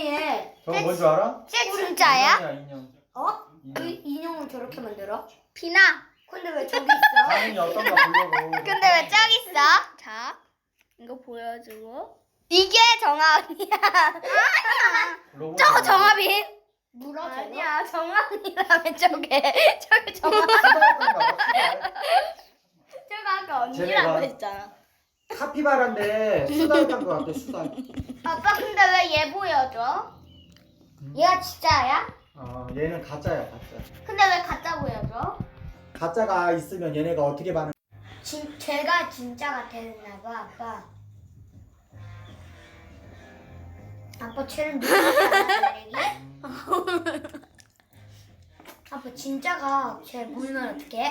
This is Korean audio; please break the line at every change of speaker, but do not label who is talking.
인형이 해.
저거 뭔 줄 알아?
쟤 진짜야?
인형이야, 인형.
어? 그
인형.
인형을 저렇게 만들어?
비나.
근데 왜 저기 있어?
반응이 어떤가 보려고.
근데 왜 저기 있어? 자, 이거 보여주고. 이게 정합이야.
로봇
저거 정합이.
물어 저거?
아니야, 정합이라며 저게. 저게 정합.
수달인가 봐, 수달.
저거 아까
쟤네가-
언니라고 했잖아.
카피바라인데 수달 간 거 같아, 수달.
아빠 근데 왜 얘 보여줘? 얘가 진짜야?
얘는 가짜야, 가짜.
근데 왜 가짜 보여줘?
가짜가 있으면 얘네가 어떻게 반응?
제가 진짜가 되나 봐, 아빠. 아빠 쟤는 누구야? 아빠 진짜가 쟤 보면 어떡해?